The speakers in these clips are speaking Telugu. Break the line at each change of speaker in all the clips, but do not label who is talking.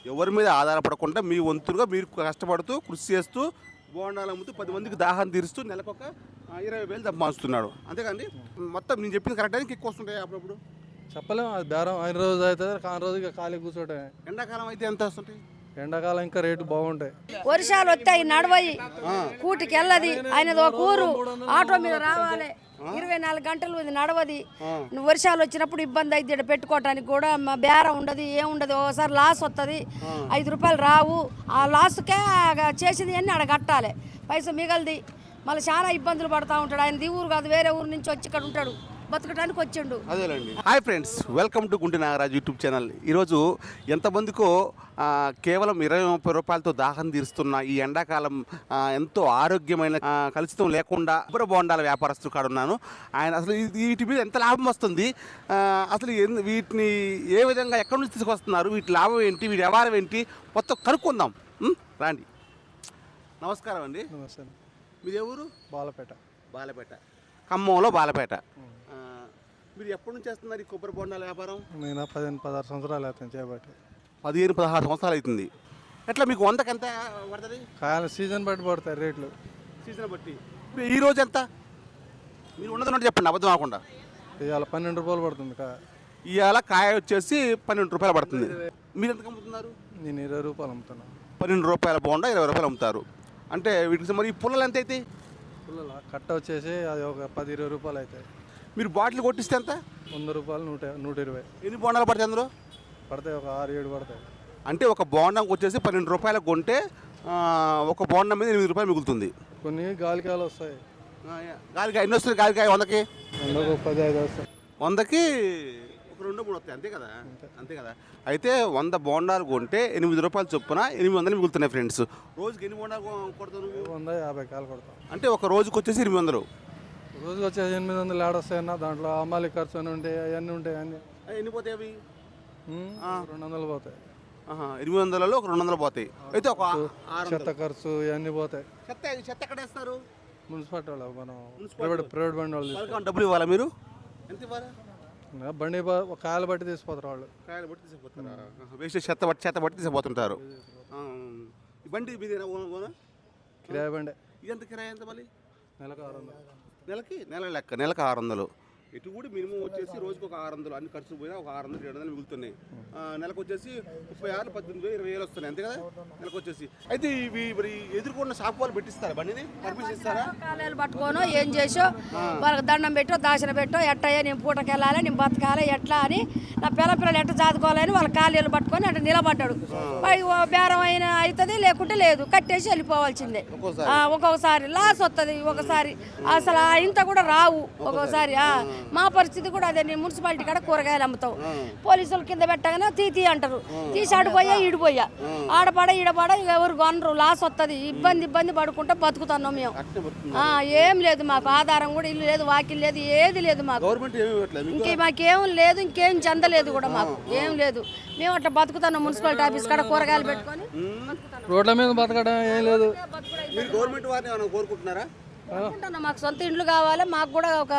ఎవరి మీద ఆధారపడకుండా మీ వంతులుగా మీరు కష్టపడుతూ కృషి చేస్తూ బోండాలు అమ్ముతూ 10 మందికి దాహం తీరుస్తూ నెలకొక 20,000 సంపాదిస్తున్నాడు. అంతేకాండి మొత్తం నేను చెప్పింది కరెక్ట్ అని ఎక్కువ వస్తుంటాయి అప్పుడప్పుడు.
చెప్పలేము, అది బేరం అయిన రోజు అవుతుంది, కాని రోజు ఇక ఖాళీ కూర్చోటే.
ఎండాకాలం అయితే ఎంత వస్తుంటాయి?
ఎండాకాలం ఇంకా రేటు బాగుంటాయి.
వర్షాలు వస్తాయి, నడవయి, కూటికి వెళ్ళది, ఆయనది ఒక ఊరు, ఆటో మీద రావాలి, 24 గంటలు ఇది నడవది. వర్షాలు వచ్చినప్పుడు ఇబ్బంది అయితే ఇక్కడ పెట్టుకోవటానికి కూడా బేరం ఉండదు, ఏముండదు. ఒకసారి లాస్ వస్తుంది, 5 రూపాయలు రావు. ఆ లాస్కే చేసింది అన్నీ ఆడ కట్టాలి, పైసా మిగలది. మళ్ళీ చాలా ఇబ్బందులు పడుతూ ఉంటాడు. ఆయన ఊరు కాదు, వేరే ఊరు నుంచి వచ్చి ఇక్కడ ఉంటాడు, బతకడానికి వచ్చిండు.
అదేలేండి. Hi friends, welcome to Gunti Nagaraju YouTube channel. ఈరోజు ఎంతమందికో కేవలం 20-30 రూపాయలతో దాహం తీరుస్తున్న ఈ ఎండాకాలం ఎంతో ఆరోగ్యమైన కలుషితం లేకుండా కొబ్బరి బోండాల వ్యాపారస్తులు కాడ ఉన్నాను. ఆయన అసలు వీటి మీద ఎంత లాభం వస్తుంది, అసలు వీటిని ఏ విధంగా ఎక్కడి నుంచి తీసుకొస్తున్నారు, వీటి లాభం ఏంటి, వీటి వ్యవహారం ఏంటి, మొత్తం కనుక్కుందాం రాండి. నమస్కారం అండి.
నమస్తే.
మీది ఎవరు? బాలపేట. ఖమ్మంలో బాలపేట. మీరు ఎప్పటి నుంచి చేస్తున్నారు ఈ కొబ్బరి బోండాల వ్యాపారం?
నేను 15-16 సంవత్సరాలు అవుతుంది చేయబట్టి.
15-16 సంవత్సరాలు అవుతుంది. ఎట్లా మీకు 100కి ఎంత పడుతుంది?
కాయలు సీజన్ బట్టి పడతాయి రేట్లు.
సీజన్ బట్టి. ఇప్పుడు ఈ రోజు ఎంత? మీరు ఉన్నది చెప్పండి, అబద్ధం కాకుండా.
ఇవాళ 12 రూపాయలు పడుతుంది కాయ.
ఇవాళ కాయ వచ్చేసి 12 రూపాయలు పడుతుంది. మీరు ఎంత అమ్ముతున్నారు?
నేను 20 రూపాయలు అమ్ముతున్నాను.
12 రూపాయల బోండా 20 రూపాయలు అమ్ముతారు. అంటే వీటికి మరి ఈ పుల్లలు ఎంత అవుతాయి?
పుల్లల కట్ట వచ్చేసి అది ఒక 10-20 రూపాయలు అవుతాయి.
మీరు బాటిల్ కొట్టిస్తే ఎంత?
100 రూపాయలు, 120.
ఎన్ని బోండాలు పడతాయి అందులో?
పడతాయి ఒక 6-7 పడతాయి.
అంటే ఒక బోండంకి వచ్చేసి 12 రూపాయలకు కొంటే ఒక బోండం మీద 8 రూపాయలు మిగులుతుంది.
కొన్ని గాలికాయలు వస్తాయి.
గాలికాయ ఎన్ని వస్తుంది? గాలికాయ 100కి
10-15 వస్తాయి.
100కి ఒక 2-3 వస్తాయి, అంతే కదా. అయితే 100 బోండాలు కొంటే 8 రూపాయలు చొప్పున 800 మిగులుతున్నాయి ఫ్రెండ్స్. రోజుకి ఎన్ని బోండాలు కొడతారు?
150 కాయలు కొడతాం.
అంటే ఒక రోజుకి వచ్చేసి 800.
రోజుకి వచ్చేసి 800 ఏడొస్తాయన్న. దాంట్లో అమ్మాలి ఖర్చు అని ఉంటాయి, అవన్నీ ఉంటాయి. అన్నీ
ఎన్ని పోతాయి అవి?
200 పోతాయి.
800లో ఒక 200 పోతాయి. అయితే ఒక
చెత్త ఖర్చు ఇవన్నీ పోతాయి.
చెత్త ఎక్కడ వేస్తారు?
మున్సిపాలిటీ వాళ్ళు, మనం ప్రైవేట్ బండి వాళ్ళు.
డబ్బులు ఇవ్వాలా? మీరు ఎంత ఇవ్వాలి?
బండి కాయలు బట్టి తీసిపోతారు వాళ్ళు.
కాయలు బట్టి తీసుకుపోతారా? వేస్ట్ చెత్త బట్టి తీసుకుపోతుంటారు. ఈ బండి మీదేనా?
కిరాయి బండి.
ఇదంత కిరాయి ఎంత? మళ్ళీ
నెలకు 600.
నెల లెక్క, నెలకు 600. ఇటు కూడా మినిమం వచ్చేసి రోజుకి ఒక 600, అన్ని ఖర్చు పోయినా ఒక 600-700 మిగులుతున్నాయి. నెలకు వచ్చేసి 36, 18,000, 20,000 వస్తున్నాయి, అంతే కదా నెలకు వచ్చేసి. అయితే ఇవి మరి ఎదుర్కొన్న షాప్ వాళ్ళు పెట్టిస్తారా? బండిని పర్మిషన్ ఇస్తారా?
కాలేలు పట్టుకోను ఏం చేసో వాళ్ళకి దండం పెట్టో, దాచిన పెట్టో, ఎట్టయ్యా నేను పూటకి వెళ్ళాలి, నేను బతకాలి ఎట్లా అని, నా పిల్లలు ఎట్ట చదువుకోవాలని వాళ్ళ కాలేలు పట్టుకొని అట్లా నిలబడ్డాడు. బేరం అయినా అవుతుంది, లేకుంటే లేదు, కట్టేసి వెళ్ళిపోవాల్సిందే. ఒక్కొక్కసారి లాస్ వస్తుంది, ఒకసారి అసలు ఇంత కూడా రావు. ఒక్కొక్కసారి మా పరిస్థితి కూడా అదే. నేను మున్సిపాలిటీ కాడ కూరగాయలు అమ్ముతావు, పోలీసులు కింద పెట్టగానే తీతి అంటారు, తీసి ఆడిపోయా ఈడిపోయా, ఆడపడ ఈడపడ ఎవరు కొనరు, లాస్ వస్తుంది. ఇబ్బంది పడుకుంటా బతుకుతున్నాం మేము. ఏం లేదు మాకు, ఆధారం కూడా ఇల్లు లేదు, వాకిల్ లేదు, ఏది లేదు మాకు. మాకేం లేదు, ఇంకేం చెందలేదు కూడా మాకు, ఏం లేదు. మేము అట్లా బతుకుతున్నాం. మున్సిపాలిటీ ఆఫీస్ కాడ కూరగాయలు పెట్టుకొని
రోడ్ల మీద బతకడం ఏం లేదు.
గవర్నమెంట్ వారిని కోరుకుంటున్నారా?
మాకు సొంత ఇండ్లు కావాలి, మాకు కూడా ఒక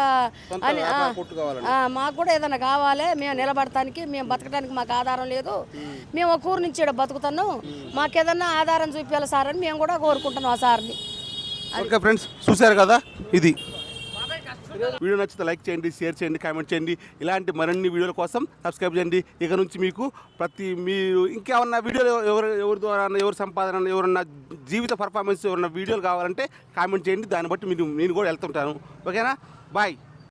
మాకు కూడా ఏదైనా కావాలి, మేము నిలబడటానికి, మేము బతకడానికి మాకు ఆధారం లేదు. మేము ఒక ఊరు నుంచి ఇక్కడ బతుకుతున్నాం, మాకు ఏదన్నా ఆధారం చూపించాలి సార్ అని మేము కూడా కోరుకుంటున్నాం ఆ సార్ని.
ఓకే ఫ్రెండ్స్, చూశారు కదా, ఇది వీడియో నచ్చితే లైక్ చేయండి, షేర్ చేయండి, కామెంట్ చేయండి. ఇలాంటి మరిన్ని వీడియోల కోసం సబ్స్క్రైబ్ చేయండి. ఇక నుంచి మీకు మీరు ఇంకేమన్నా వీడియోలు ఎవరి ద్వారా, ఎవరి సంపాదన, ఎవరన్నా జీవిత పర్ఫార్మెన్స్, ఎవరన్నా వీడియోలు కావాలంటే కామెంట్ చేయండి. దాన్ని బట్టి నేను కూడా వెళ్తుంటాను. ఓకేనా? బాయ్.